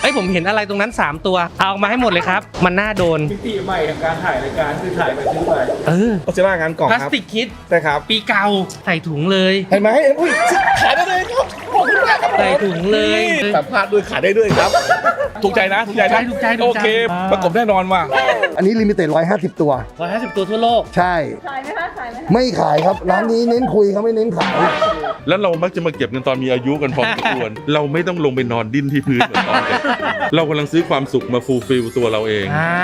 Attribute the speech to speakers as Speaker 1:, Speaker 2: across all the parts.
Speaker 1: อ้ยผมเห็นอะไรตรงนั้น3ตัวเอาออกมาให้หมดเลยครับมันน่าโดน
Speaker 2: มิติใหม่ของการถ่ายรายการคือถ่ายไปซื้อไป
Speaker 3: ก็จะว่างานกล่อง
Speaker 1: พลาส
Speaker 3: ครับ
Speaker 1: ติกคิด
Speaker 3: ใช่ครับ
Speaker 1: ปีเก่าใส่ถุงเลย
Speaker 3: เห็นไหมอุ้ยขายได้เลยครับขอบคุณมากครับ
Speaker 1: ใส่ถุงเลย
Speaker 3: สัมภาษณ์ด้วยขายได้ด้วยครับถูกใจนะถูกใจนะ
Speaker 1: ถูกใจ
Speaker 3: โอเคประกบแน่นอนว่ะ
Speaker 4: อันนี้ลิมิเต็ด150 ตัว
Speaker 1: 150 ตัวทั่วโลก
Speaker 4: ใช่
Speaker 5: ขายไหมคะขายไหมคะ
Speaker 4: ไม่ขายครับ ร้านนี้เน้นคุยเขาไม่เน้นขาย
Speaker 6: แล้วเรามักจะมาเก็บเงินตอนมีอายุกันพอสมควร เราไม่ต้องลงไปนอนดิ้นที่พื้นเหมือนตอนเด็กเรากำลังซื้อความสุขมาฟูลฟิลตัวเราเอง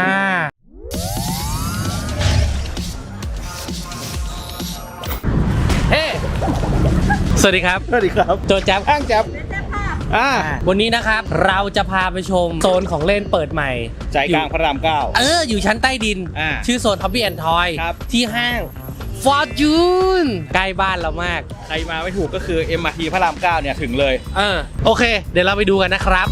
Speaker 1: เฮ้สวัสดีครับ
Speaker 3: สวัสดีครับ
Speaker 1: โจแจ๊บ
Speaker 3: อ้างจับ
Speaker 1: วันนี้นะครับเราจะพาไปชมโซนของเล่นเปิดใหม่
Speaker 3: ใจกลางพระราม9
Speaker 1: อยู่ชั้นใต้ดิน ชื่อโซน Hobby and Toy
Speaker 3: ครับ
Speaker 1: ที่ห้าง Fortune ใกล้บ้านเรามาก
Speaker 3: ใครมาไม่ถูกก็คือ MRT พระราม9เนี่ยถึงเลย
Speaker 1: โอเค เดี๋ยวเราไปดูกันนะครับ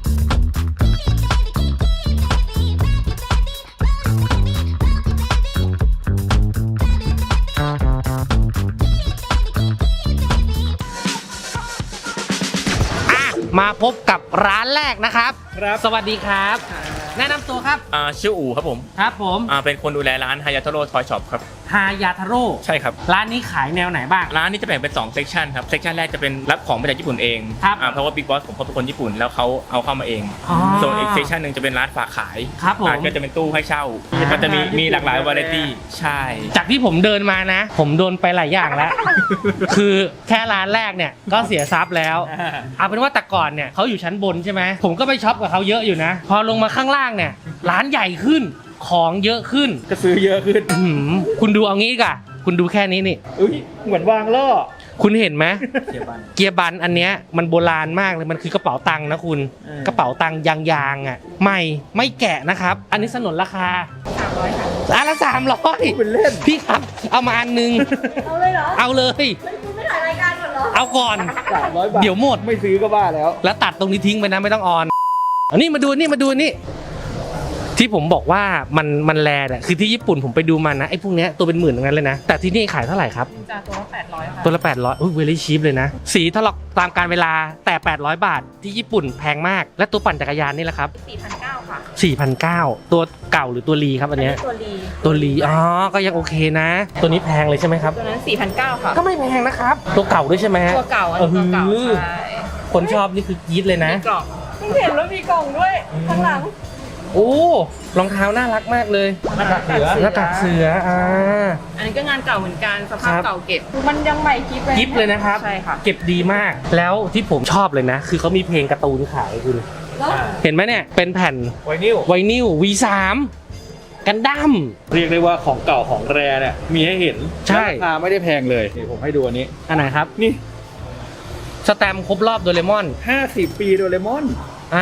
Speaker 1: มาพบกับร้านแรกนะครับ สวัสดีครับ แนะนำตัวครับ
Speaker 7: ชื่ออู๋ครับผม
Speaker 1: ครับผม
Speaker 7: เป็นคนดูแลร้านฮายาโทโร่ทอยช็อปครับ
Speaker 1: ฮายาทาโร่
Speaker 7: ใช่ครับ
Speaker 1: ร้านนี้ขายแนวไหนบ้าง
Speaker 7: ร้านนี้จะแบ่งเป็น2เซกชันครับเซกชันแรกจะเป็นรับของมาจากญี่ปุ่นเอง
Speaker 1: ครับ
Speaker 7: เพราะว่าบิ๊กบอสผมเขาเป็นคนญี่ปุ่นแล้วเขาเอาเข้ามาเอง ส่วนอีกเซกชันหนึ่งจะเป็นร้านฝากขาย
Speaker 1: ครับผม
Speaker 7: ก็จะเป็นตู้ให้เช่ามันจะมีหลากหลายวาไรตี้ใช่
Speaker 1: จากที่ผมเดินมานะ ผมโดนไปหลายอย่างแล้ว คือแค่ร้านแรกเนี่ยก็เสียทรัพย์แล้ว เอาเป็นว่าแต่ก่อนเนี่ยเขาอยู่ชั้นบนใช่ไหมผมก็ไปช็อปกับเขาเยอะอยู่นะ พอลงมาข้างล่างเนี่ยร้านใหญ่ขึ้นของเยอะขึ้น
Speaker 3: ก็ซื้อเยอะขึ้น
Speaker 1: คุณดูเอางี้ก่ะคุณดูแค่นี้นี่
Speaker 3: เหมือนวางล่อ
Speaker 1: คุณเห็นไหมเกียร์บันอันเนี้ยมันโบราณมากเลยมันคือกระเป๋าตังค์นะคุณกระเป๋าตังค์ยางๆอ่ะใหม่ไม่แกะนะครับ อันนี้สนนราคา300ค่ะอันละ300
Speaker 3: เป็นเล่น
Speaker 1: พี่ครับเอามาอันนึง
Speaker 5: เอาเลยเหรอ
Speaker 1: เอาเลย
Speaker 5: คุณไม่ถ่ายรายการก่อนเหรอ
Speaker 1: เอาก่อน
Speaker 3: 300 บาท
Speaker 1: เดี๋ยวหมด
Speaker 3: ไม่ซื้อก็บ้าแล้ว
Speaker 1: แล้วตัดตรงนี้ทิ้งไปนะไม่ต้องออนอันนี้มาดูนี่ที่ผมบอกว่ามันแลเนี่ยคือที่ญี่ปุ่นผมไปดูมานะไอ้พวกเนี้ยตัวเป็นหมื่นทั้งนั้นเลยนะแต่ที่นี่ขายเท่าไหร่ครับ
Speaker 5: จากตัวละ800ค่ะ
Speaker 1: ตัวละ800อุ้ยเวลี่ชีพเลยนะสีถลอกตามการเวลาแต่800 บาทที่ญี่ปุ่นแพงมากและตัวปั่นจักรยานนี่แหละครับ
Speaker 5: 4,900 ค่ะ
Speaker 1: 4,900ตัวเก่าหรือตัวรีครับอันเนี้ย
Speaker 5: ตัวลี
Speaker 1: ก็ยังโอเคนะ ตัวนี้แพงเลยใช่ไหมครับ
Speaker 5: ตัวนั้น 4,900 ค่ะ
Speaker 1: ก็ไม่แพงนะครับตัวเก่าด้วยใช่ไหม
Speaker 5: ตัวเก่าอันนี้ตัวเก่าใช่
Speaker 1: คนชอบนี่คือกรี๊ดเลยนะ
Speaker 5: มีกล่องเพิ่งเห็นแล้วมีกล่องด้วยข้างหลัง
Speaker 1: โอ้รองเท้าน่ารักมากเลยหน้ากากเสือ
Speaker 5: อันนี้ก็งานเก่าเหมือนกันสภาพเก่าเก็บมันยังใหม่กิ๊บเลย
Speaker 1: เลยนะครับ
Speaker 5: ใช่ค่ะ
Speaker 1: เก็บดีมากแล้วที่ผมชอบเลยนะคือเขามีเพลงการ์ตูนขายคุณเห็นไหมเนี่ยเป็นแผ่นไวนิล V3 กันดั้ม
Speaker 3: เรียกได้ว่าของเก่าของแรเนี่ยมีให้เห็น
Speaker 1: ใช่
Speaker 3: ราคาไม่ได้แพงเลยนี่ผมให้ดูอันนี้
Speaker 1: อันไหนครับ
Speaker 3: นี่
Speaker 1: สแตมป์ครบรอบโดเรมอน
Speaker 3: 50 ปีโดเรมอน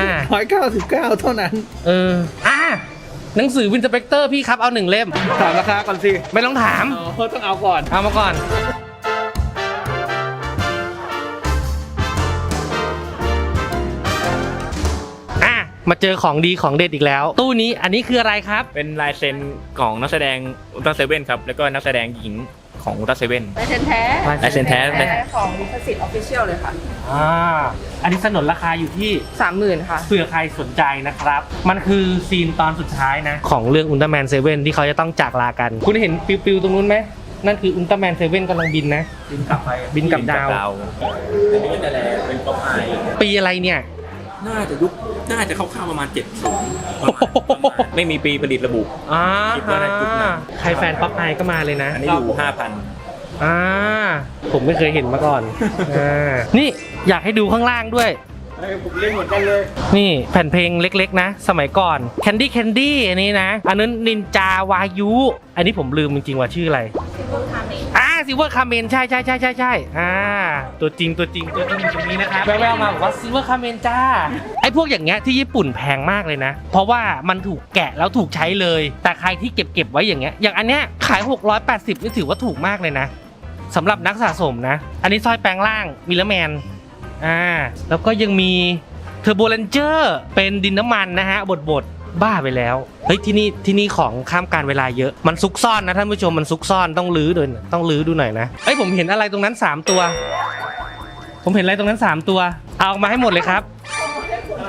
Speaker 3: 199เท่านั้น
Speaker 1: หนังสือวินเทอร์เบกเตอร์พี่ครับเอา1 เล่ม
Speaker 3: ถามราคาก่อนสิ
Speaker 1: ไม่ต้องถาม
Speaker 3: ต้องเอาก่อน
Speaker 1: เอามาก่อนมาเจอของดีของเด็ดอีกแล้ว ตู้นี้อันนี้คืออะไรครับ
Speaker 7: เป็นลายเซ็นของนักแสดงอุลตร้าเซเว่นครับแล้วก็นักแสดงหญิงของอุลตร้าเซเว่น
Speaker 5: ลายเซ็นแท้
Speaker 7: ลายเซ็นแท้
Speaker 5: ของลิขสิทธิ์ออฟฟิเชียลเลยค่ะ
Speaker 1: อันนี้สนนราคาอยู่ที่
Speaker 5: 30,000 ค่ะ
Speaker 1: เผื่อใครสนใจนะครับมันคือซีนตอนสุดท้ายนะของเรื่องอุลตร้าแมนเซเว่นที่เขาจะต้องจากลากันคุณเห็นปิวๆตรงนู้นไหมนั่นคืออุลตร้าแมนเซเว่นกำลังบินนะบินกลับดาว
Speaker 7: อันนี้จะแลเป็นป๊อปอาย
Speaker 1: ปีอะไรเนี่ย
Speaker 7: น่าจะเข้าๆประมาณ70ไม่มีปีผลิตระบุคิดว่าในยุคนั้น
Speaker 1: ใครแฟนป๊อปอายก็มาเลยนะ
Speaker 7: อันนี้อยู่ 5,000
Speaker 1: ผมไม่เคยเห็นมาก่อนนี่อยากให้ดูข้างล่างด้วย
Speaker 3: ผมเล่นเหมือนกันเลย
Speaker 1: นี่แผ่นเพลงเล็กๆนะสมัยก่อน Candy Candy อันนี้นะอันนั้นนินจาวายุอันนี้ผมลืมจริงๆว่าชื่ออะไรซิลเวอร์คาเมนใช่ตัวจริงอยู่ตรงนี้นะครับแววๆมาบอกว่าซิลเวอร์คาเมนจ้าไอ้พวกอย่างเงี้ยที่ญี่ปุ่นแพงมากเลยนะเพราะว่ามันถูกแกะแล้วถูกใช้เลยแต่ใครที่เก็บไว้อย่างเงี้ยอย่างอันเนี้ยขาย680นี่ถือว่าถูกมากเลยนะสำหรับนักสะสมนะอันนี้สร้อยแปลงร่างมิลเลอร์แมนแล้วก็ยังมีเทอร์โบเลนเจอร์เป็นดินน้ำมันนะฮะบดบ้าไปแล้วเฮ้ยที่นี่ของข้ามการเวลาเยอะมันซุกซ่อนนะท่านผู้ชมมันซุกซ่อนต้องลื้อดูหน่อยนะเอ้ยผมเห็นอะไรตรงนั้น3ตัวผมเห็นอะไรตรงนั้น3ตัวเอาออกมาให้หมดเลยครับ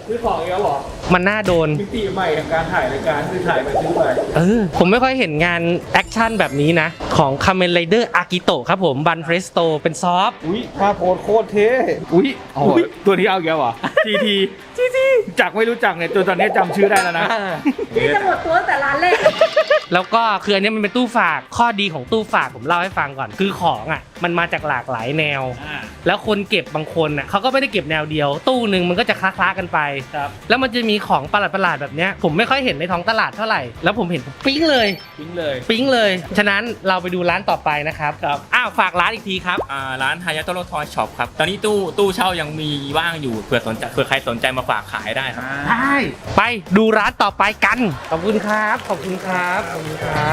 Speaker 2: ซื้อของอีกแล้วเหรอ
Speaker 1: มันน่าโดน
Speaker 2: มิติใหม่ของการถ่ายรายการคือถ่ายไปซื้อไป
Speaker 1: ผมไม่ค่อยเห็นงานแอคชั่นแบบนี้นะ ของ Kamen Rider Akito ครับผมบันเฟรสโตเป็นซอฟต์
Speaker 3: อุ้ยท่าโพสโคตรเท่อุ้ยตัวนี้เอาอีกแล้วเหรอ GT จากไม่รู้จักเนี่ยจนตอนนี้จำชื่อได้แล้วนะ
Speaker 5: นี่จะหมดตัวตั้งแต่ร้านแรก
Speaker 1: แล้วก็คืออันนี้มันเป็นตู้ฝากข้อดีของตู้ฝากผมเล่าให้ฟังก่อน คือของอ่ะมันมาจากหลากหลายแนว แล้วคนเก็บบางคนอ่ะเขาก็ไม่ได้เก็บแนวเดียว ตู้หนึ่งมันก็จะคล้าๆกันไป แล้วมันจะมีของประหลาดๆแบบเนี้ยผมไม่ค่อยเห็นในท้องตลาดเท่าไหร่แล้วผมเห็นผมปิ๊งเลย ปิ๊งเลยฉะนั้นเราไปดูร้านต่อไปนะครับอ้าวฝากร้านอีกทีครับ
Speaker 7: ร้านฮายาโตโรทอยช็อปครับ ตอนนี้ตู้เช่ายังมีว่างอยู่เผื่อใครสนใจมาฝากขายได้ครับ
Speaker 1: ได้ไปดูร้านต่อไปกันขอบคุณครับขอบคุณครับขอบคุณครับ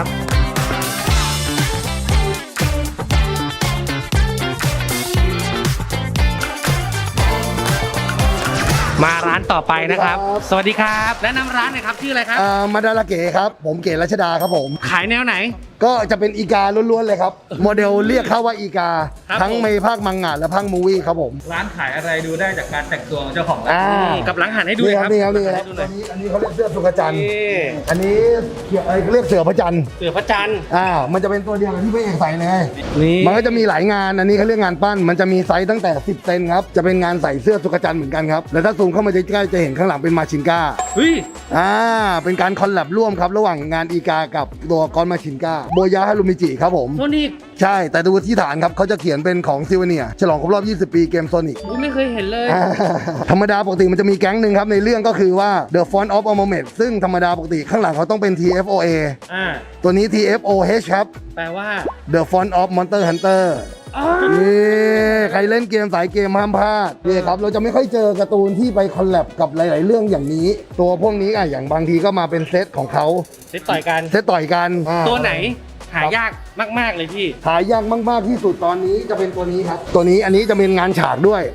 Speaker 1: มาร้านต่อไปนะครับ สวัสดีครับแนะนำร้านหน่อยครับชื่ออะไรครับ
Speaker 4: มาดาราเก๋ครับ ผมเก๋รัชดาครับผม
Speaker 1: ขายแนวไหน
Speaker 4: ก็จะเป็นอีกาล้วนๆเลยครับ โมเดลเรียกเข้าว่าอีกา
Speaker 1: ครับ
Speaker 4: ทั้งในภาคมังงะและภาคมูวี่ครับผม
Speaker 2: ร้านขายอะไรดูได้จากการแต่งตัวของเจ้าของร้าน
Speaker 1: กับหลังหันให้ดู
Speaker 4: นี่
Speaker 1: ห
Speaker 4: ค
Speaker 1: น่
Speaker 4: รั
Speaker 1: อย
Speaker 4: บ
Speaker 1: ครับ
Speaker 4: นี่ครับนี่ครับ
Speaker 1: ให้ดูหน่อย
Speaker 4: อันนี้เขาเรียกเสื้อสุกจันทร์
Speaker 1: นี่
Speaker 4: อันนี้เรียกเสือพระจันทร์
Speaker 1: เสือพระจันทร์
Speaker 4: มันจะเป็นตัวเดียวกับที่พระเอกใส่เลย
Speaker 1: นี่
Speaker 4: มันก็จะมีหลายงาน อันนี้เขาเรียกงานปั้น มันจะมีไซส์ตั้งแต่ 10 เซนครับ จะเป็นงานใส่เสื้อสุกจันทร์เหมือนกันครับ แล้วถ้าซูมเข้ามาใกล้ๆจะเห็นข้างหลังเป็นมาชินก้า
Speaker 1: เฮ้ย
Speaker 4: เป็นการคอลแลบร่วมครับระหว่างงานอีกากับตัวกอนมาชินก้าโบยาฮารุมิจิครับผม
Speaker 1: โซนิก
Speaker 4: ใช่ แต่ดูที่ฐานครับเขาจะเขียนเป็นของซิวเนียฉลองครบรอบ 20 ปีเกมโซนิก
Speaker 1: ไม่เคยเห็นเลย
Speaker 4: ธรรมดาปกติมันจะมีแก๊งหนึ่งครับในเรื่องก็คือว่า The Font of Amulet ซึ่งธรรมดาปกติข้างหลังเขาต้องเป็น TFOA ตัวนี้ TFOH ครับ
Speaker 1: แปลว่า
Speaker 4: The Font of Monster Hunter นี่ใครเล่นเกมสายเกมห้ามพลาดนี่ครับเราจะไม่ค่อยเจอการ์ตูนที่ไปคอลแลบกับหลาย ๆ เรื่องอย่างนี้ ตัวพวกนี้อย่างบางทีก็มาเป็นเซตของเขา
Speaker 1: เซตต่อยกัน
Speaker 4: เซตต่อยกัน
Speaker 1: ตัวไหนหายากมากๆเลยพี่
Speaker 4: หายากมาก ๆ ที่สุดตอนนี้จะเป็นตัวนี้ครับ ตัวนี้อันนี้จะเป็นงานฉากด้วย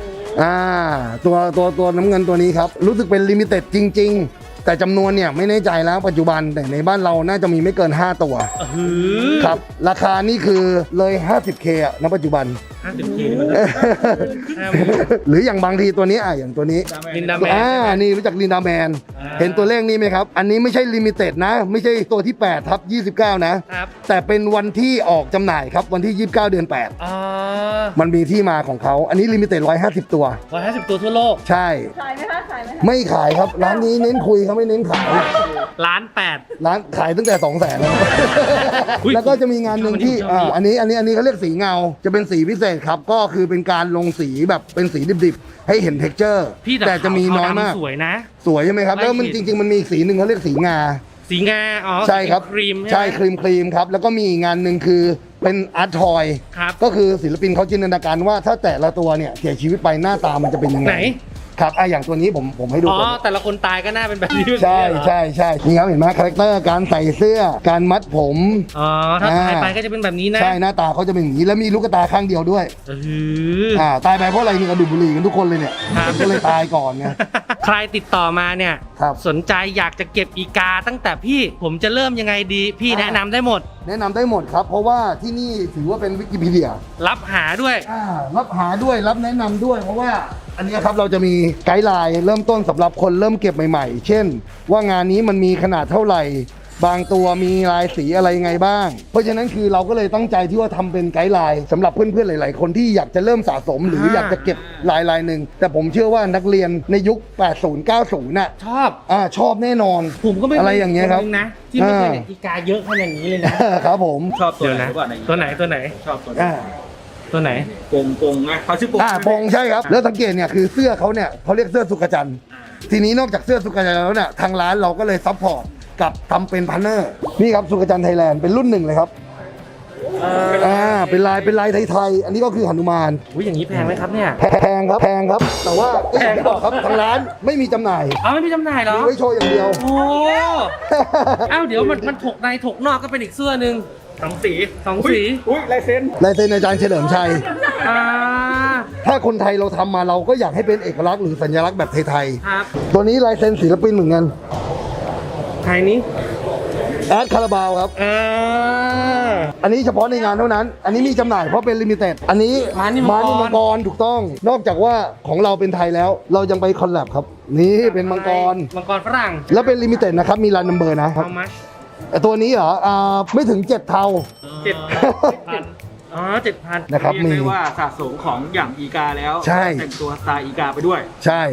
Speaker 4: ตัวน้ำเงินตัวนี้ครับ รู้สึกเป็นลิมิเต็ดจริง ๆ แต่จำนวนเนี่ยไม่แน่ใจแล้วปัจจุบันแต่ในบ้านเราน่าจะมีไม่เกิน 5 ตัวครับ ราคานี่คือเลย 50K อะณปัจจุบัน
Speaker 1: 50K
Speaker 4: หรืออย่างบางทีตัวนี้อย่างตัวนี้
Speaker 1: ลินดาแมน
Speaker 4: นี่รู้จักลินดาแมน เห็นตัวเลขนี้ไหมครับ อันนี้ไม่ใช่ลิมิเต็ดนะ ไม่ใช่ตัวที่8/29 นะ
Speaker 1: ครับ
Speaker 4: แต่เป็นวันที่ออกจำหน่ายครับ วันที่ 29 เดือน 8 มันมีที่มาของเขา อันนี้ลิมิเต็ด150 ตัว
Speaker 1: 150 ตัวทั่วโลก
Speaker 4: ใช่
Speaker 5: ขายไหมคะขายไหมคะ
Speaker 4: ไม่ขายครับ ร้านนี้เน้นคุยเขาไม่เน้นขาย
Speaker 1: ล้าน
Speaker 4: ร้านขายตั้งแต่ 200,000แล้วก็จะมีงานหนึ่งที่อันนี้เขาเรียกสีเงา จะเป็นสีพิเศษครับ ก็คือเป็นการลงสีแบบเป็นสีดิบๆ ให้เห็นเท็กเจอร์
Speaker 1: พี่
Speaker 4: แต่จะมีน้อยมาก
Speaker 1: สวยนะ
Speaker 4: สวยใช่ไหมครับ แล้วมันจริง ๆ มันมีอีกสีหนึ่งเขาเรียกสีงา
Speaker 1: สีงา
Speaker 4: ใช่ครับ
Speaker 1: ครีม
Speaker 4: ใช่
Speaker 1: ไหม
Speaker 4: ครีมครับ แล้วก็มีอีกงานหนึ่งคือเป็นอาร์ตทอย
Speaker 1: ครับ
Speaker 4: ก็คือศิลปินเขาจินตนาการว่าถ้าแต่ละตัวเนี่ยเสียชีวิตไปหน้าตามันจะเป็นยังไง
Speaker 1: ไหน
Speaker 4: ครับอย่างตัวนี้ผมให้ดูก่อน
Speaker 1: แต่ละคนตายก็หน้าเป็นแบบนี้
Speaker 4: ใช่นี่ครับเห็นไหมคาแรคเตอร์การใส่เสื้อการมัดผม
Speaker 1: ถ้าตายไปก็จะเป็นแบบนี้นะ
Speaker 4: ใช่หน้าตาเขาจะเป็นอย่างนี้แล้วมีลูกตาข้างเดียวด้วยตายไปเพราะอะไรมีกระดูกบุหรี่กันทุกคนเลยเนี่ยก็เลยตายก่อนไง
Speaker 1: ใครติดต่อมาเนี่ย
Speaker 4: ครับ
Speaker 1: สนใจอยากจะเก็บอีกาตั้งแต่พี่ผมจะเริ่มยังไงดีพี่แนะนำได้หมด
Speaker 4: แนะนำได้หมดครับ เพราะว่าที่นี่ถือว่าเป็นวิกิพีเดีย
Speaker 1: รับหาด้วย
Speaker 4: รับหาด้วยรับแนะนำด้วยเพราะว่าอันนี้ครับเราจะมีไกด์ไลน์เริ่มต้นสำหรับคนเริ่มเก็บใหม่ๆ เช่น ว่างานนี้มันมีขนาดเท่าไหร่ บางตัวมีลายสีอะไรไงบ้าง เพราะฉะนั้นคือเราก็เลยตั้งใจที่ว่าทำเป็นไกด์ไลน์สำหรับเพื่อนๆหลายๆคนที่อยากจะเริ่มสะสมหรืออยากจะเก็บลายหนึ่งแต่ผมเชื่อว่านักเรียนในยุค 80-90 น่ะ
Speaker 1: ชอบ
Speaker 4: ชอบแน่นอน
Speaker 1: ผมก็ไม่
Speaker 4: อะไรอย่างเงี้ยครับ
Speaker 1: นนะที่ไม่เคยเห็นอีกาเยอะขนาดนี้เลยนะ
Speaker 4: ครับผม
Speaker 2: ชอบตัว
Speaker 1: เดี๋ยว
Speaker 2: ไหน
Speaker 1: นะ
Speaker 2: หรือเปล่า
Speaker 1: ตัวไหน
Speaker 2: ชอบตัว
Speaker 1: ตัวไหน
Speaker 2: ปงนะเขาชื่อปง
Speaker 4: ปงใช่ครับ แล้วสังเกตเนี่ยคือเสื้อเขาเนี่ยเขาเรียกเสื้อสุกจันทร์ทีนี้นอกจากเสื้อสุกจันทร์แล้วเนี่ยทางร้านเราก็เลยซัพพอร์ตกับทำเป็นพาร์ทเนอร์นี่ครับสุกจันทร์ไทยแลนด์เป็นรุ่นหนึ่งเลยครับเป็นลายไทยๆอันนี้ก็คือหนุมาน
Speaker 1: อย่างนี้แพงไหมครับเนี่ย
Speaker 4: แพงครับแต่ว่าแพงบอกครับทางร้านไม่มีจำหน่าย
Speaker 1: ไม่มีจำหน่ายเหรอ
Speaker 4: มีไว้โชว์อย่างเดียว
Speaker 1: โอ้เดี๋ยวมันถกในถกนอกก็เป็นอีกเสื้อหนึ่งสองสี
Speaker 2: อุ้ยลายเซ็น
Speaker 4: ลายเซ็นอาจารย์เฉลิมชัยถ้าคนไทยเราทำมาเราก็อยากให้เป็นเอกลักษณ์หรือสัญลักษณ์แบบไทย
Speaker 1: ครับ
Speaker 4: ๆตัวนี้ลายเซ็นศิลปินเหมือนกัน
Speaker 1: ไทยนี้
Speaker 4: แอดคาราบาวครับ อันนี้เฉพาะในงานเท่านั้น อันนี้มีจำหน่ายเพราะเป็นลิมิเต็ด อันนี้
Speaker 1: ม้านิมังกร
Speaker 4: มังกรถูกต้อง นอกจากว่าของเราเป็นไทยแล้ว เรายังไปคอลแลบครับ นี่เป็นมังกร
Speaker 1: มังกรฝรั่ง
Speaker 4: แล้วเป็นลิมิเต็ดนะครับ มีรันนัมเบอร์นะครับ
Speaker 1: how much
Speaker 4: แต่ตัวนี้เหรอไม่ถึง 7 เท่า
Speaker 1: 7,000อ๋อ 7,000
Speaker 4: นะครับ
Speaker 3: เรียก
Speaker 4: มี
Speaker 3: ได้ว่าสะสมของอย่างอีกาแล้ว
Speaker 4: ใช่
Speaker 3: แต่งตัวสไตล์อีกาไปด้วย
Speaker 4: ใช่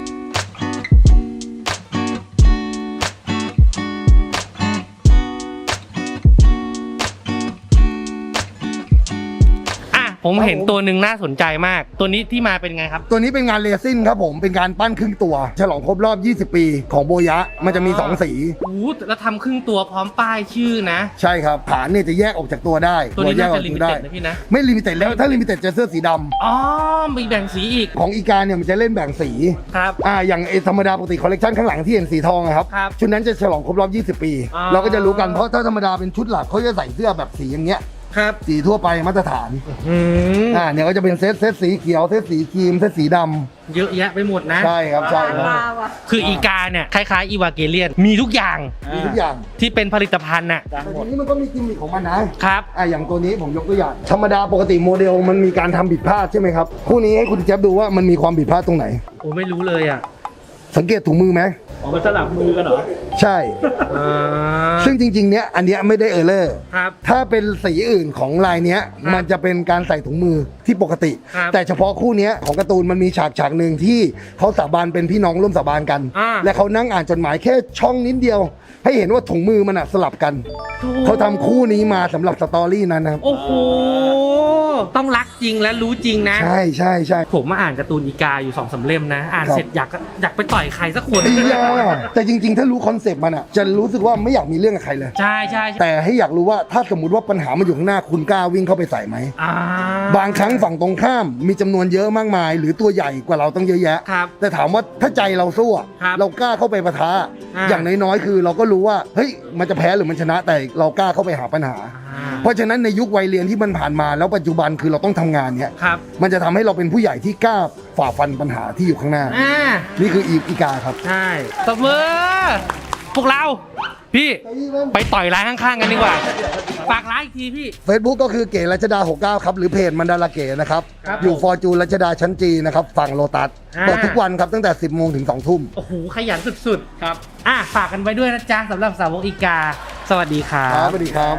Speaker 1: อ่ะ ผมเห็นตัวหนึ่งน่าสนใจมาก ตัวนี้ที่มาเป็นไงครับ
Speaker 4: ตัวนี้เป็นงานเรซินครับผม เป็นการปั้นครึ่งตัว ฉลองครบรอบ 20 ปีของโบยะ มันจะมี 2 สี
Speaker 1: โอ้โหแล้วทำครึ่งตัวพร้อมป้ายชื่อนะ
Speaker 4: ใช่ครับฐานเนี่ยจะแยกออกจากตัวได้
Speaker 1: ตัวนี้
Speaker 4: แย
Speaker 1: น่าก
Speaker 4: ออ
Speaker 1: จะ
Speaker 4: ก
Speaker 1: ลิ
Speaker 4: จาก
Speaker 1: มิ
Speaker 4: ตัว
Speaker 1: เต็
Speaker 4: ได้
Speaker 1: ดนะพี่นะ
Speaker 4: ไม่ลิมิเต็ดแล้ว ถ้าลิมิเต็ดจะเสื้อสีดำ
Speaker 1: อ๋อ มีแบ่งสีอีก
Speaker 4: ของอีกาเนี่ยมันจะเล่นแบ่งสี
Speaker 1: ครับ
Speaker 4: อย่างไอธรรมดาปกติคอลเลกชันข้างหลังที่เห็นสีทองอะครับ
Speaker 1: ครับ
Speaker 4: ชุดนั้นจะฉลองครบรอบ 20 ปี
Speaker 1: อ๋อ
Speaker 4: เราก็จะรู้กันเพราะถ้าธรรมดาเป็นชุดหลักเขาจะใส่เสื้อแบบสีอย่างเงี้ย
Speaker 1: ครับ
Speaker 4: สีทั่วไปมาตรฐาน
Speaker 1: อืม
Speaker 4: เนี่ยก็จะเป็นเซตสีเขียวเซตสีครีมเซตสีดำ
Speaker 1: เยอะแยะไปหมดนะ
Speaker 4: ใช่ครับใช่ครับ
Speaker 5: มาว่ะ
Speaker 1: คืออีกาเนี่ย คล้ายๆอีวาเกเลียน มีทุกอย่าง
Speaker 4: มีทุกอย่าง
Speaker 1: ที่เป็นผลิตภัณฑ์น่ะ
Speaker 4: แต่ทีนี้มันก็มีกิมมิคของมันนะครับ อย่างตัวนี้ผมยกตัวอย่างธรรมดาปกติโมเดลมันมีการทำผิดพลาดใช่ไหมครับคู่นี้ให้คุณแจ๊บดูว่ามันมีความผิดพลาดตรงไหน
Speaker 1: โอ้ไม่รู้เลยอ่ะ
Speaker 4: สังเกตถุงมือไหม
Speaker 3: อ๋อมันสลับมือกันเหรอ
Speaker 4: ใช่
Speaker 1: อ่า
Speaker 4: ซึ่งจริงๆเนี้ยอันเนี้ยไม่ได้เออร์เลอร์
Speaker 1: ครับ
Speaker 4: ถ้าเป็นสีอื่นของลายเนี้ย
Speaker 1: ครับ
Speaker 4: มันจะเป็นการใส่ถุงมือที่ปกติ
Speaker 1: ครับ
Speaker 4: แต่เฉพาะคู่เนี้ยของการ์ตูนมันมีฉากหนึ่งที่เขาสาบานเป็นพี่น้องร่วมสาบานกัน
Speaker 1: อ่า
Speaker 4: และเขานั่งอ่านจดหมายแค่ช่องนิดเดียว ให้เห็นว่าถุงมือมันอะสลับกัน
Speaker 1: ถูก
Speaker 4: เขาทำคู่นี้มาสำหรับสตอรี่นั้นนะครับ
Speaker 1: โอ้โห ต้องรักจริงและรู้จริงนะ
Speaker 4: ใช่ใช่ใช่
Speaker 1: ผมมาอ่านการ์ตูนอีกาอยู่2-3เล่มนะ อ่าน
Speaker 4: ครับ
Speaker 1: เสร็จอยากไปต่อยใครสักคน
Speaker 4: ไอ้ยาแต่จริงๆ ถ้ารู้คอนเซปต์มันอะจะรู้สึกว่าไม่อยากมีเรื่องกับใครเลย
Speaker 1: ใช่ใช่ใช่
Speaker 4: แต่ให้อยากรู้ว่าถ้าสมมติว่าปัญหามันอยู่ข้างหน้าคุณกล้าวิ่งเข้าไปใส่ไหม
Speaker 1: อ่า
Speaker 4: บางครั้งฝั่งตรงข้ามมีจำนวนเยอะมากมาย หรือตัวใหญ่กว่าเราต้องเยอะแยะ
Speaker 1: ครับ
Speaker 4: แต่ถามว่าถ้าใจเราสู้อะ
Speaker 1: ครับ
Speaker 4: เรากล้าเข้าไปปะทะ
Speaker 1: อ่า
Speaker 4: อย่างน้อยๆคือเราก็รู้ว่าเฮ้ยมันจะแพ้หรือมันชนะแต่เรากล้าเข้าไปหาปัญหา
Speaker 1: อ่า
Speaker 4: เพราะฉะนั้นในยุควัยเรียนที่มันผ่านมาแล้วปัจจุบันคือเราต้องทำงานเนี้ย
Speaker 1: ครับ
Speaker 4: มันจะทำให้เราเป็นผู้ใหญ่ที่กล้าฝ่าฟันปัญหาที่อยู่ข้างหน้า
Speaker 1: อ่า
Speaker 4: นี่คืออีกาครับ
Speaker 1: ใช่ตบมือพวกเรา พี่ไปต่อยร้านข้างๆกันดีกว่า ฝากร้านอีกทีพี่
Speaker 4: Facebook ก็คือเก๋รัชดา 69 ครับ หรือเพจมันดาราเก๋นะครับ
Speaker 1: ครับ
Speaker 4: อยู่ฟอร์จูนรัชดาชั้นจีนะครับ ฝั่งโลตัส
Speaker 1: อ่า
Speaker 4: เปิดทุกวันครับ ตั้งแต่ 10 โมงถึง 2 ทุ่ม
Speaker 1: โอ้โห ขยันสุดๆ ครับ ฝากกันไว้ด้วยนะจ๊ะสำหรับสาวกอีกา สวัสดีครั
Speaker 4: ครับ
Speaker 1: บ
Speaker 4: สวัสดีครับ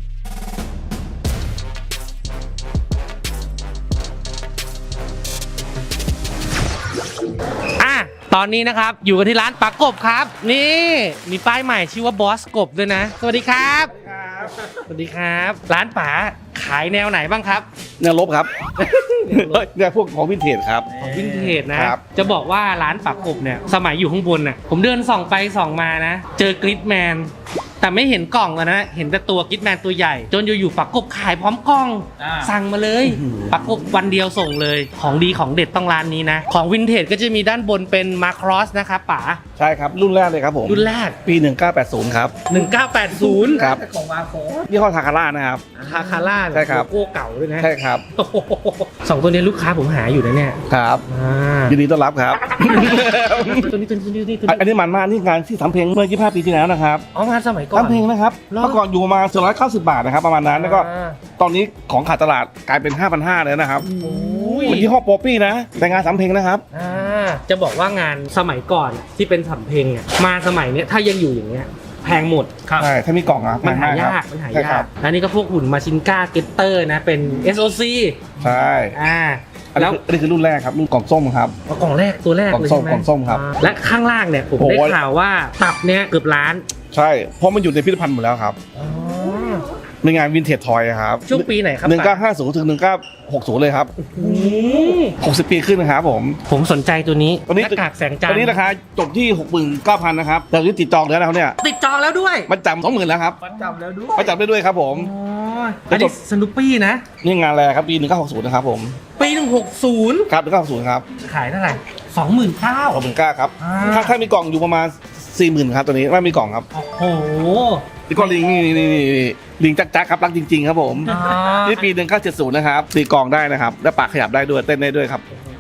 Speaker 1: ตอนนี้นะครับ อยู่กันที่ร้านปลากบครับ นี่มีป้ายใหม่ชื่อว่าบอสกบด้วยนะ สวัสดีครับ สวัสดีครับ ร้านป๋าขายแนวไหนบ้างครับ
Speaker 8: แนวลบครับ เนี่ยพวกของวินเทจครับ
Speaker 1: ของวินเทจนะครับ จะบอกว่าร้านปากกบเนี่ยสมัยอยู่ข้างบนน่ะผมเดินส่องไปส่องมานะ เจอกริดแมนแต่ไม่เห็นกล่องอะนะเห็นแต่ตัวกริดแมนตัวใหญ่ จนอยู่ๆปากกบขายพร้อมกล่อง สั่งมาเลยปากกบวันเดียวส่งเลยของดีของเด็ดต้องร้านนี้นะของวินเทจก็จะมีด้านบนเป็นมาครอสนะครับป๋า
Speaker 8: ใช่ครับ รุ่นแรกเลยครับผม
Speaker 1: รุ่นแรก
Speaker 8: ปี 1980 ครับ
Speaker 1: 1980
Speaker 8: ครับ
Speaker 3: ของวาโค
Speaker 8: ยี่ห้อทาคาร่านะครับ
Speaker 1: คาคาร่า
Speaker 8: ใช่ครับ
Speaker 1: โลโก้เก่าด้วยนะ
Speaker 8: ใช่ครับ
Speaker 1: โอ้โหสองตัวนี้ลูกค้าผมหาอยู่นะเนี่ย
Speaker 8: ครับ
Speaker 1: อ่า
Speaker 8: ยินดีต้อนรับครับ
Speaker 1: ตัวนี้ตัวนี้
Speaker 8: อันนี้มันมากนี่งานที่สำเพ็งเมื่อ 25 ปีที่แล้วนะครับ
Speaker 1: อ๋องานสมัยก่อน
Speaker 8: สำเพ็งนะครับ
Speaker 1: หรอ
Speaker 8: เมื่อก่อนอยู่ประมาณ490 บาทนะครับประมาณนั้นแล้วก็
Speaker 1: อ่า
Speaker 8: ตอนนี้ของขาดตลาดกลายเป็น 5,500เลยนะครับ
Speaker 1: โอ้ย
Speaker 8: เป็นยี่ห้อโปปี้นะแต่งานสำเพ็งนะครับ
Speaker 1: จะบอกว่างานสมัยก่อนที่เป็นสำเพ็งเนี่ยมาสมัยเนี้ยถ้ายังอยู่อย่างเงี้ยแพงหมด
Speaker 8: ใช่ถ้ามีกล่องอ่ะ
Speaker 1: มันหา
Speaker 8: แพง
Speaker 1: ยาก
Speaker 8: ครับ
Speaker 1: มันหา
Speaker 8: ใช่
Speaker 1: ยา
Speaker 8: ครั
Speaker 1: ก
Speaker 8: บ
Speaker 1: แล้วนี่ก็พวกหุ่นมาชินก้าเกตเตอร์นะเป็น SOC
Speaker 8: ใช่
Speaker 1: แล้
Speaker 8: แล้ว วอันนี้คือรุ่นแรกครับรุ่นกล่องส้มครับ
Speaker 1: กล่องแรกตัวแรก
Speaker 8: กล่อง
Speaker 1: เลย
Speaker 8: ส้ม
Speaker 1: ใช่ไหม
Speaker 8: กล่องส้มครับ
Speaker 1: และข้างล่างเนี่ยผม
Speaker 8: โอ้โห
Speaker 1: ได้ข่าวว่าตับเนี่ยเกือบล้าน
Speaker 8: ใช่เพราะมันอยู่ในพิพิธภัณฑ์หมดแล้วครับ
Speaker 1: อ๋อ
Speaker 8: ในงานวินเทจทอยครับ
Speaker 1: ช่วงปีไหนครับ
Speaker 8: 1950 ถึง 1960 เลยครับ
Speaker 1: อืม
Speaker 8: 60 ปีขึ้นนะครับผม
Speaker 1: ผมสนใจตัวนี้
Speaker 8: ตัวนี้
Speaker 1: หน้ากากแสงจัน
Speaker 8: ต
Speaker 1: ท
Speaker 8: อนนี้
Speaker 1: ร์
Speaker 8: ราคาจบที่ 69,000 นะครับ แต่ที่ติดจองแล้วนะครับเนี่ย
Speaker 1: ติดจองแล้วด้วย
Speaker 8: มันจำ20,000 แล้วครับ
Speaker 3: จำแล้วด้วย
Speaker 8: มาจับได้ด้วยครับผม
Speaker 1: อ๋ออันนี้สนุปปี้นะ
Speaker 8: นี่งานแรกครับปี 1960 นะครับผม
Speaker 1: ปี160
Speaker 8: ครับ 1960 ครับ
Speaker 1: ขายเท่าไหร่20,000ข้าว
Speaker 8: ขอบคุณกล้าครับ
Speaker 1: อ่า
Speaker 8: ถ้ามีกล่องอยู่ประมาณ 40,000 ครับตัวนี้ไม่มีกล่องครับ
Speaker 1: โอ้โห
Speaker 8: นี่ก็ลิงนี่ลิงจักครับรักจริง ๆ ครับผม นี่ปี 1970 นะครับตีกล่องได้นะครับ และปากขยับได้ด้วยเต้นได้ด้วยครับ
Speaker 1: โ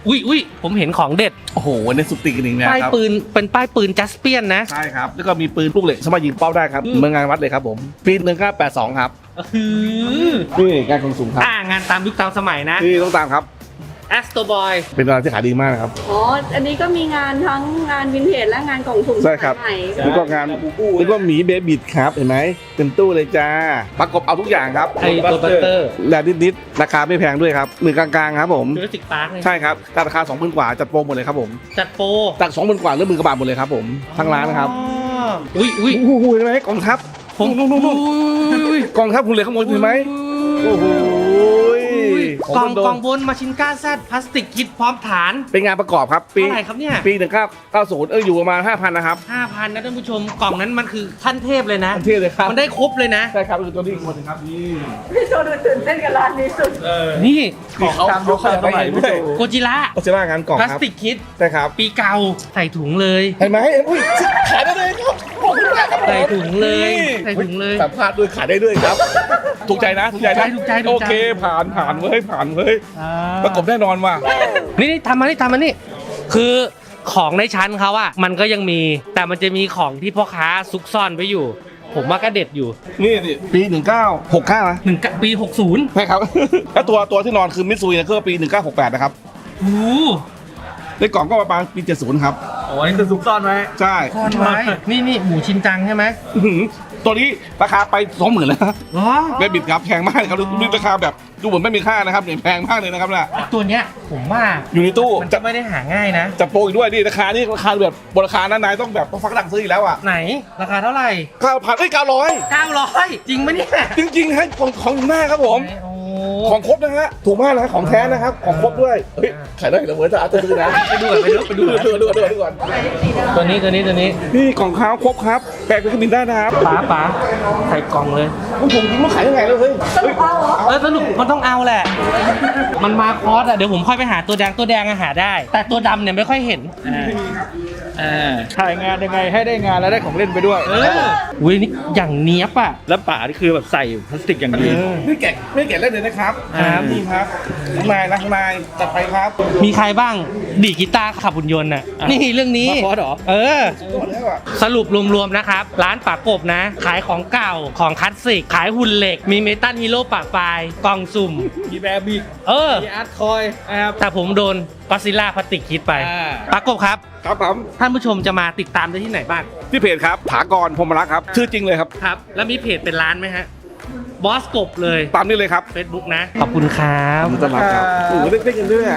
Speaker 1: อุ้ยผมเห็นของเด็ด
Speaker 8: โอ้โหในสุดติกหนึ่งนะ
Speaker 1: ป้าย
Speaker 8: ครับ
Speaker 1: ปืนเป็นป้ายปืนจัสเปียนนะ
Speaker 8: ใช่ครับ แล้วก็มีปืนลูกเหล็กสามารถยิงเป้าได้ครับเมืองงานวัดเลยครับผมปี1982ครับนี่งานของสูงครับ
Speaker 1: งานตามยุคตามสมัยนะ
Speaker 8: นี่ต้องตามครับ
Speaker 1: Astro Boy
Speaker 8: เป็นงานที่ขายดีมากนะครับ
Speaker 5: อ๋อ อันนี้ก็มีงานทั้งงานวินเทจและงานกล่องสุ่ม
Speaker 8: ใช่ครับ
Speaker 5: สมัยใหม่
Speaker 8: แล้วก็งานแล้วก็หมีเบบิดครับเห็นไหมเต็มตู้เลยจ้าประกบเอาทุกอย่างครับ
Speaker 1: ไอ้ตัวบัตเตอร์
Speaker 8: แรงนิดๆราคาไม่แพงด้วยครับหมื่นกลางๆครับผม
Speaker 1: จูราสสิกพาร์ค
Speaker 8: ใช่ครับราคา 20,000 กว่าจัดโปรหมดเลยครับผม
Speaker 1: จัดโปร
Speaker 8: จาก 20,000 กว่าเรื่องมือกระบาดหมดเลยครับผมทั้งร้านนะครับ
Speaker 1: อุ้ย
Speaker 8: โอ้โหเห็นไหมกองทัพ
Speaker 1: ผม
Speaker 8: นู่นกองทัพคุณเหลือข้างบนเห็นไหมโอ้โห
Speaker 1: กล่องบนมาชินก้าแซดพลาสติกคิดพร้อมฐาน
Speaker 8: เป็นงานประกอบครับปี
Speaker 1: เท่าไหร่ครับเนี่ย
Speaker 8: ปี1990อยู่ประมาณ 5,000 นะครับ
Speaker 1: 5,000นะท่านผู้ชมกล่องนั้นมันคือขั้นเทพเลยนะ
Speaker 8: อันเท่เลยครับ
Speaker 1: มันได้ครบเลยนะ
Speaker 8: ใช่ครับคือตัวนี้อีกคนนึงครับนี่
Speaker 5: พี่โชว์ดูตื่นเต้นกับร้านนี้สุด
Speaker 1: นี่
Speaker 8: เขาตามยุคสมัยด้วย
Speaker 1: โกจิระ
Speaker 8: ก็จะว่างานกล่อง
Speaker 1: พลาส
Speaker 8: ครับ
Speaker 1: ติกคิด
Speaker 8: ใช่ครับ
Speaker 1: ปีเก่าใส่ถุงเลย
Speaker 8: เห็นไหมอุ้ยขายได้เลยครับขอบคุณมากครับ
Speaker 1: ใส่ถุงเลยใส่ถุงเลย
Speaker 8: สัมภาษณ์ด้วยขายได้ด้วยครับ ถูกใจนะถูกใจนะ
Speaker 1: ถูกใจ
Speaker 8: โอเคผ่านเว้ยประกบแน่นอนว่ะ
Speaker 1: นี่ทำมานี่คือของในชั้นเขาอะมันก็ยังมีแต่มันจะมีของที่พ่อค้าซุกซ่อนไว้อยู่ ผมว่าก็เด็ดอยู่
Speaker 8: นี่ปี1969นะ
Speaker 1: ปี 60
Speaker 8: ใช่ครับ แล้วตัวที่นอนคือมิตซูนะคือปี1968นะครับ
Speaker 1: โอ้
Speaker 8: ในกล่องก็ประมาณปี70ครับ
Speaker 2: โอ้ยนี่คือซุกซ่อนไว้
Speaker 8: ใช่
Speaker 1: ซ่อนไว้นี่หมูชินจังใช่ไหม
Speaker 8: อื้อหือตัวนี้ราคาไป 20,000แล้ว
Speaker 1: อ๋อ
Speaker 8: เบบิดครับแพงมากครับดูราคาแบบดูเหมือนไม่มีค่านะครับเนี่ยแพงมากเลยนะครับน่ะ
Speaker 1: ตัวเนี้ยผมว่า
Speaker 8: อยู่ในตู้
Speaker 1: มันจะไม่ได้หาง่ายนะ
Speaker 8: จับโปรอีกด้วยนี่ราคานี่ราคาแบบบนราคานั้นนายต้องแบบต้องฟักดังซื้ออีกแล้วอ่ะ
Speaker 1: ไหนราคาเท่าไหร่
Speaker 8: 9,000
Speaker 1: 900 จริงปะเนี่ย
Speaker 8: จริงๆให้ของหน้าครับผม
Speaker 1: โอ้
Speaker 8: ของครบนะฮะถูกมากนะของแท้นะครับของครบด้วยเฮ้ยขายได้เหรอเหมือนจะอาจจะซื้อนะ
Speaker 1: ไปดูก่อน ตัวนี้
Speaker 8: นี่ของเขาครบครับแปลกเป็นขมิ้นได้นะครับ
Speaker 1: ป๋าใส่กล่องเลย
Speaker 8: ผมจริงมันขายยังไงเลยเฮ้ย
Speaker 1: สรุปมันต้องเอาแหละ มันมาคอร์สอะเดี๋ยวผมค่อยไปหาตัวแดงอะหาได้ แต่ตัวดำเนี่ยไม่ค่อยเห็น
Speaker 3: ถ่ายงานยังไงให้ได้งานแล้วได้ของเล่นไปด้วย
Speaker 1: อุ้ยนี่อย่างเนี้ยบอะ
Speaker 3: แล้วป่านี่คือแบบใส่พลาสติกอย่างดี
Speaker 8: ไม่แกะเล่นเลยนะครับนี่ครับข้างในจัดไปครับ
Speaker 1: มีใครบ้างดีดกีตาร์ขับหุ่นยนต์น่ะนี่เรื่องนี้
Speaker 3: มาคอร์สเหรอ
Speaker 8: หมดแล้วอ่ะ
Speaker 1: สรุปรวมๆนะครับ ร้านปากกบนะ ขายของเก่าของคลาสสิก ขายหุ่นเหล็ก มีเมตัลฮีโร่ปากปลายกล่องสุ่ม
Speaker 3: มีแบบบิก มีอาร์ตคอยนะครับ
Speaker 1: แต่ผมโดนก็ซิล่าพลาสติกคิดไปปากกบครับ
Speaker 8: ครับผม
Speaker 1: ท่านผู้ชมจะมาติดตามได้ที่ไหนบ้าง
Speaker 8: ที่เพจครับถากรพรหมรักษ์ครับชื่อจริงเลยครับ
Speaker 1: ครับ แล้วมีเพจเป็นร้านไหมฮะบอสกบเลย
Speaker 8: ตามนี้เลยครับ
Speaker 1: Facebook นะ ขอบคุณครับ
Speaker 8: ตลาดครับโอ้โหได้กันด้วยอะ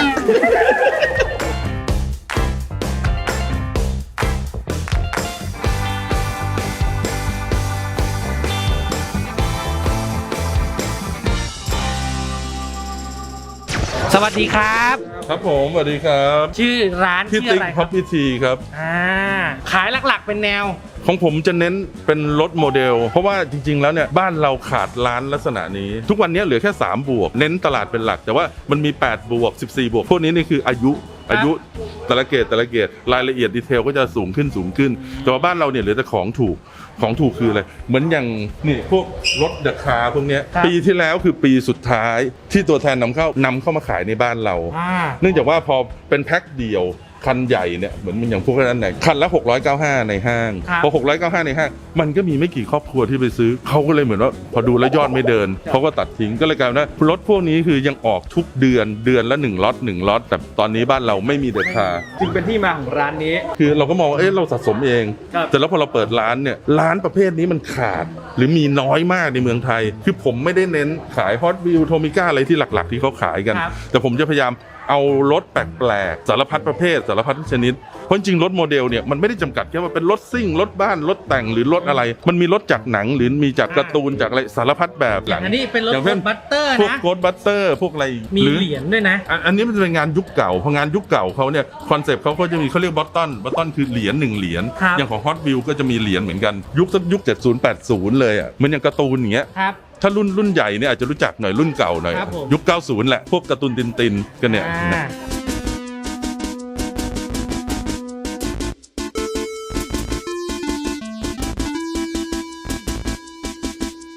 Speaker 1: สวัสดีครับ
Speaker 6: ครับผมสวัสดีครับ
Speaker 1: ชื่อร้าน
Speaker 6: พี่
Speaker 1: ชื่อ
Speaker 6: ติ๊
Speaker 1: อะ
Speaker 6: ก
Speaker 1: ไรค
Speaker 6: พั
Speaker 1: รั
Speaker 6: บบ พิธีครับ
Speaker 1: ขายหลักๆเป็นแนว
Speaker 6: ของผมจะเน้นเป็นรถโมเดล เพราะว่าจริงๆแล้วเนี่ยบ้านเราขาดร้านลักษณะนี้ ทุกวันนี้เหลือแค่3บวกเน้นตลาดเป็นหลัก แต่ว่ามันมี8บวก14บวกพวกนี้นี่คืออายุแต่ละเกรดรายละเอียดดีเทลก็จะสูงขึ้น แต่ว่าบ้านเราเนี่ยเหลือแต่ของถูกคืออะไรเหมือนอย่างนี่พวกรถเดอะคาร์พวกเนี้ย
Speaker 1: ครับ
Speaker 6: ปีที่แล้วคือปีสุดท้ายที่ตัวแทนนำเข้ามาขายในบ้านเรา เนื่องจากว่าพอเป็นแพ็คเดียวคันใหญ่เนี่ยเหมือนมันอย่างพวกนั้นไหนคันละ695ในห้าง
Speaker 1: ครับ
Speaker 6: พอ695ในห้างมันก็มีไม่กี่ครอบครัวที่ไปซื้อเขาก็เลยเหมือนว่าพอดูแล้วยอดไม่เดินเขาก็ตัดทิ้งก็เลยกลายเป็นว่ารถพวกนี้คือยังออกทุกเดือนละ1ล็อตแต่ตอนนี้บ้านเราไม่มีเด็ดขาด
Speaker 3: จึงเป็นที่มาของร้านนี้
Speaker 6: คือเราก็มองว่าเราสะสมเอง
Speaker 3: ครับ
Speaker 6: แต่แล้วพอเราเปิดร้านเนี่ยร้านประเภทนี้มันขาด หรือมีน้อยมากในเมืองไทย คือผมไม่ได้เน้นขายฮอตวิวโทมิก้าอะไรที่หลักๆ ที่เขาขายกัน
Speaker 1: ครับ
Speaker 6: แต่ผมจะพยายามเอารถแปลกๆสารพัดประเภทสารพัดชนิดเพราะจริงๆรถโมเดลเนี่ยมันไม่ได้จำกัดแค่ว่าเป็นรถซิ่งรถบ้านรถแต่งหรือรถอะไร มันมีรถจากหนังหรือมีจากการ์ตูนจากอะไรสารพัดแบบ
Speaker 1: อย่างอันนี้เป็นรถ
Speaker 6: อย่างเช่น
Speaker 1: บัตเตอร์
Speaker 6: พวก
Speaker 1: นะ
Speaker 6: โกดบัตเตอร์พวกอะไร
Speaker 1: มี
Speaker 6: หรือ
Speaker 1: เหรียญด้วยนะ
Speaker 6: อันนี้มันจะเป็นงานยุคเก่าพองานยุคเก่าเขาเนี่ยคอนเซปต์เขาก็จะมีเขาเรียกบัตตันคือเหรียญ1เหรียญ
Speaker 1: ครับ
Speaker 6: อย่างของฮอตวิวก็จะมีเหรียญเหมือนกันยุค70 80เลยอ่ะเหมือนอย่างการ์ตูนอย่างเงี้ย
Speaker 1: ครับ
Speaker 6: ถ้ารุ่นใหญ่เนี่ยอาจจะรู้จักหน่อยรุ่นเก่าหน่อย
Speaker 1: ครับผม
Speaker 6: ยุค90แหละพวกการ์ตูนตินกันเนี่ยนะ
Speaker 1: ส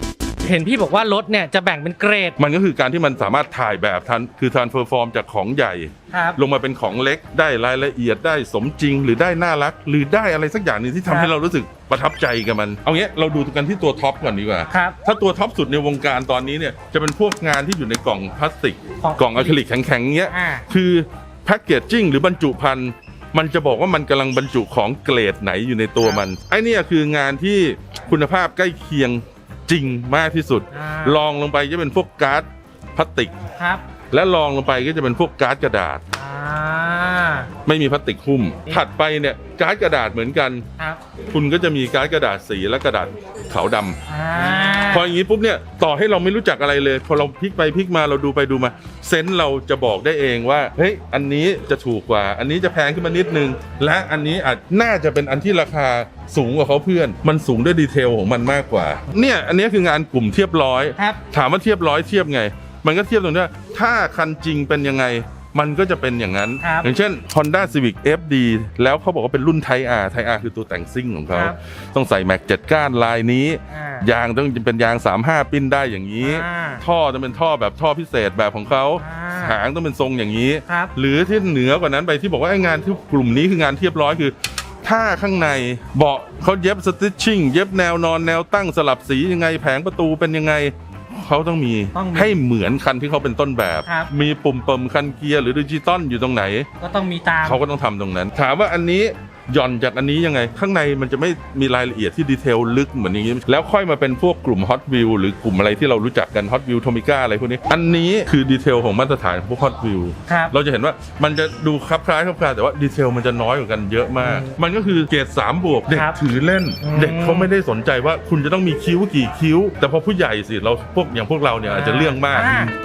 Speaker 1: เห็นพี่บอกว่ารถเนี่ยจะแบ่งเป็นเกรด
Speaker 6: มันก็คือการที่มันสามารถถ่ายแบบทันคือ transfer form จากของใหญ่
Speaker 1: ครับ
Speaker 6: ลงมาเป็นของเล็กได้รายละเอียดได้สมจริง หรือได้น่ารัก หรือได้อะไรสักอย่างหนึงที่ทำให้เรารู้สึกประทับใจกับมัน เอางี้เราดูกันที่ตัวท็อปก่อนดีกว่า
Speaker 1: ครับ
Speaker 6: ถ้าตัวท็อปสุดในวงการตอนนี้เนี่ยจะเป็นพวกงานที่อยู่ในกล่องพลาสติก
Speaker 1: ของ
Speaker 6: กล่องอะคริลิกแข็งๆเงี้ย
Speaker 1: อ่า
Speaker 6: คือแพ็กเกจจิ้งหรือบรรจุภัณฑ์มันจะบอกว่ามันกำลังบรรจุของเกรดไหนอยู่ในตัวมันไอ้เนี่ยคืองานที่คุณภาพใกล้เคียงจริงมากที่สุด ลองลงไปจะเป็นพวกการ์ดพลาสติก
Speaker 1: ครับ
Speaker 6: และลองลงไปก็จะเป็นพวกการ์ดกระดาษ
Speaker 1: อ่า
Speaker 6: ไม่มีพลาสติกหุ้ม ถัดไปเนี่ยการ์ดกระดาษเหมือนกัน
Speaker 1: ครับ
Speaker 6: คุณก็จะมีการ์ดกระดาษสีและกระดาษขาวดำ
Speaker 1: อ่า
Speaker 6: พออย่างนี้ปุ๊บเนี่ยต่อให้เราไม่รู้จักอะไรเลยพอเราพลิกไปพลิกมาเราดูไปดูมาเซนส์เราจะบอกได้เองว่าเฮ้ยอันนี้จะถูกกว่า อันนี้จะแพงขึ้นมานิดนึง และอันนี้อาจน่าจะเป็นอันที่ราคาสูงกว่าเขาเพื่อน มันสูงด้วยดีเทลของมันมากกว่าเนี่ยอันนี้คืองานกลุ่มเทียบร้อย
Speaker 1: ครับ
Speaker 6: ถามว่าเทียบร้อยเทียบไง มันก็เทียบตรงที่ว่าถ้าคันจริงเป็นยังไงมันก็จะเป็นอย่างนั้น
Speaker 1: ครับ
Speaker 6: อย่างเช่น Honda Civic FD แล้วเขาบอกว่าเป็นรุ่น Type R Type R คือตัวแต่งซิ่งของเขา
Speaker 1: ครับ
Speaker 6: ต้องใส่แม็ก7ก้านลายนี้
Speaker 1: อ่าย
Speaker 6: างต้องเป็นยาง 35 ปิ้นได้อย่างนี้
Speaker 1: อ่า
Speaker 6: ท่อต้องเป็นท่อแบบท่อพิเศษแบบของเขา
Speaker 1: อ่า
Speaker 6: หางต้องเป็นทรงอย่างนี้
Speaker 1: ครับ
Speaker 6: หรือที่เหนือกว่านั้นไปที่บอกว่าไอ้งานที่กลุ่มนี้คืองานเทียบร้อยคือ ถ้าข้างในเบาะเขาเย็บสติชชิ่งเย็บแนวนอนแนวตั้งสลับสียังไงแผงประตูเป็นยังไงเขาต้องมี
Speaker 1: ต้องมี
Speaker 6: ให้เหมือนคันที่เขาเป็นต้นแบบ
Speaker 1: ครับ
Speaker 6: มีปุ่มเปิมคันเกียร์หรือดิจิตอลอยู่ตรงไหน
Speaker 1: ก็ต้องมีตาม
Speaker 6: เขาก็ต้องทำตรงนั้น ถามว่าอันนี้หย่อนจากอันนี้ยังไง ข้างในมันจะไม่มีรายละเอียดที่ดีเทลลึกเหมือนอย่างนี้ แล้วค่อยมาเป็นพวกกลุ่ม Hot Wheels หรือกลุ่มอะไรที่เรารู้จักกัน Hot Wheels Tomica อะไรพวกนี้ อันนี้คือดีเทลของมาตรฐานของพวก Hot Wheels
Speaker 1: ครับ
Speaker 6: เราจะเห็นว่ามันจะดูคลับคล้ายแต่ว่าดีเทลมันจะน้อยกว่ากันเยอะมาก มันก็คือเกรด3 บวกเด็ก
Speaker 1: ครับ
Speaker 6: ถือเล่น เด็กเขาไม่ได้สนใจว่าคุณจะต้องมีคิ้วกี่คิ้ว แต่พอผู้ใหญ่สิเราพวกอย่างพวกเราเนี่ยอาจจะเรื่องมาก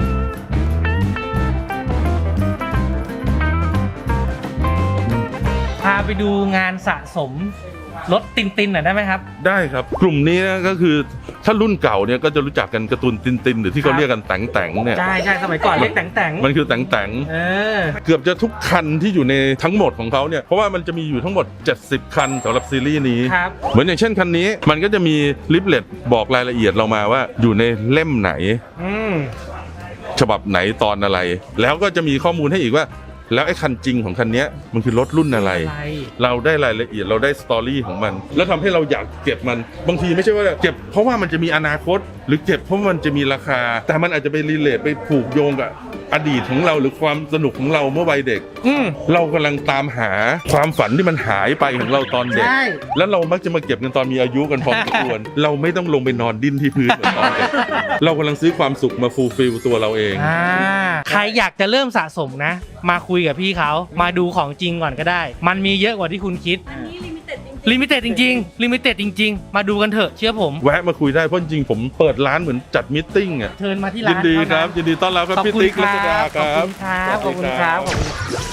Speaker 1: พาไปดูงานสะสมรถตินๆหน่อยได้ไหมครับ
Speaker 6: ได้ครับ กลุ่มนี้นะก็คือถ้ารุ่นเก่าเนี่ยก็จะรู้จักกันการ์ตูนตินหรือที่เขาเรียกกันแต่งเนี่ย
Speaker 1: ใช่ใช่สมัยก่อนเรียกแต่ง
Speaker 6: มันคือแต่ง
Speaker 1: เออ
Speaker 6: เกือบจะทุกคันที่อยู่ในทั้งหมดของเขาเนี่ยเพราะว่ามันจะมีอยู่ทั้งหมด70 คันสำหรับซีรีส์นี้
Speaker 1: ครับ
Speaker 6: เหมือนอย่างเช่นคันนี้มันก็จะมีลิฟเลตบอกรายละเอียดเรามาว่าอยู่ในเล่มไหน
Speaker 1: อืม
Speaker 6: ฉบับไหนตอนอะไร แล้วก็จะมีข้อมูลให้อีกว่า แล้วไอ้คันจริงของคันเนี้ยมันคือรถรุ่นอะไร
Speaker 1: อะไร
Speaker 6: เราได้รายละเอียดเราได้สตอรี่ของมัน แล้วทำให้เราอยากเก็บมันบางทีไม่ใช่ว่าเก็บเพราะว่ามันจะมีอนาคต หรือเก็บเพราะมันจะมีราคา แต่มันอาจจะไปรีเลทไปผูกโยงกับอดีตของเราหรือความสนุกของเราเมื่อวัยเด็ก
Speaker 1: อืม
Speaker 6: เรากำลังตามหาความฝันที่มันหายไปของเราตอนเด็ก
Speaker 1: ใช่
Speaker 6: แล้วเรามักจะมาเก็บกันตอนมีอายุกันพอสมควร เราไม่ต้องลงไปนอนดิ้นที่พื้นเหมือนตอนเด็ก เรากำลังซื้อความสุขมาฟูลฟิลตัวเราเอง
Speaker 1: ใครอยากจะเริ่มสะสมนะ มาคุยกับพี่เขามาดูของจริงก่อนก็ได้ มันมีเยอะกว่าที่คุณคิด
Speaker 5: อันนี้ลิมิเต็ดจริง
Speaker 1: ลิมิเต็ดจริงๆลิมิเต็ดจริง ๆ มาดูกันเถอะเชื่อผม
Speaker 6: แวะมาคุยได้เพราะจริงๆผมเปิดร้านเหมือนจัดมิทติ้งอ่ะ
Speaker 1: เชิญมาที่
Speaker 6: ยิ
Speaker 1: ร้าน น
Speaker 6: ดีค
Speaker 1: เท่า
Speaker 6: รั
Speaker 1: นั้
Speaker 6: บ
Speaker 1: น
Speaker 6: ยินดีต้อนรับครับ
Speaker 1: ขอบ
Speaker 6: พี่
Speaker 1: คุณ
Speaker 6: ติ๊ก
Speaker 1: ค
Speaker 6: รั
Speaker 1: รั
Speaker 6: ชดา
Speaker 1: บ
Speaker 6: ค
Speaker 1: ขอบ
Speaker 6: รับ
Speaker 1: คุณครับขอบคุณครับขอบคุณ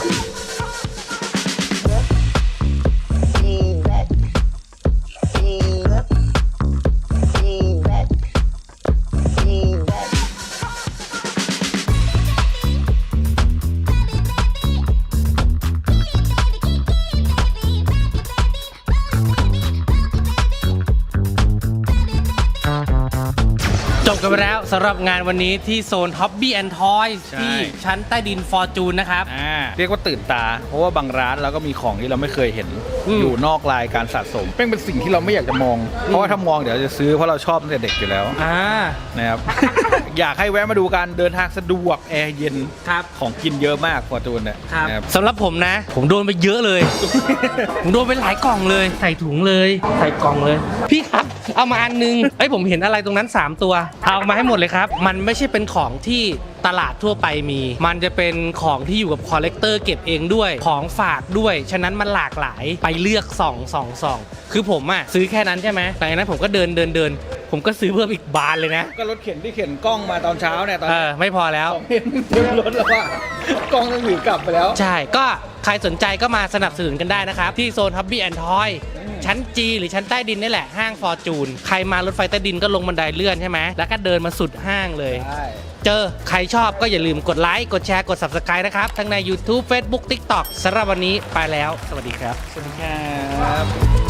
Speaker 1: จบกันไปแล้วสำหรับงานวันนี้ที่โซน Hobby and Toys
Speaker 3: ใช่
Speaker 1: ที่ชั้นใต้ดินฟอร์จูนนะครับ
Speaker 3: เรียกว่าตื่นตา เพราะว่าบางร้านเราก็มีของที่เราไม่เคยเห็น
Speaker 1: อืม
Speaker 3: อยู่นอกลายการสะสมเป็นสิ่งที่เราไม่อยากจะมอง เพราะว่าถ้ามองเดี๋ยวเราจะซื้อเพราะเราชอบตั้งแต่เด็กอยู่แล้ว นะครับ อยากให้แวะมาดูกันเดินทางสะดวกแอร์เย็น
Speaker 1: ครับ
Speaker 3: ของกินเยอะมากฟอร์จูนเนี่ย
Speaker 1: ครับ
Speaker 3: นะครับ
Speaker 1: สำหรับผมนะ ผมโดนไปเยอะเลย ผมโดนไปหลายกล่องเลย ใส่ถุงเลย ใส่กล่องเลย พี่ครับ เอามาอันนึงเอ้ยผมเห็นอะไรตรงนั้น 3 ตัว เอามาให้หมดเลยครับ มันไม่ใช่เป็นของที่ตลาดทั่วไปมี มันจะเป็นของที่อยู่กับคอลเลกเตอร์เก็บเองด้วย ของฝากด้วย ฉะนั้นมันหลากหลาย ไปเลือกส่องคือผมอะซื้อแค่นั้นใช่ไหมหลังจากนั้นผมก็เดิน ผมก็ซื้อเพิ่มอีกบานเลยนะ
Speaker 3: ก็รถเข็นที่เข็นกล้องมาตอนเช้าเนี่ยตอน
Speaker 1: ไม่พอแล้ว
Speaker 3: เห็นเต็มรถแล้วว่ากล้องต้องถือกลับไปแล้ว
Speaker 1: ใช่ ก็ใครสนใจก็มาสนับสนุนกันได้นะครับ ที่โซน Hobby and Toy ชั้น G หรือชั้นใต้ดินนี่แหละ ห้างฟอร์จูน ใครมารถไฟใต้ดินก็ลงบันไดเลื่อนใช่ไหม แล้วก็เดินมาสุดห้างเลย
Speaker 3: ใช่
Speaker 1: เจอใครชอบก็อย่าลืมกดไลค์ กดแชร์ กด Subscribe นะครับ ทั้งใน YouTube Facebook TikTok สำหรับวันนี้ไปแล้ว สวัสดีครับ
Speaker 3: สวัสดีครับ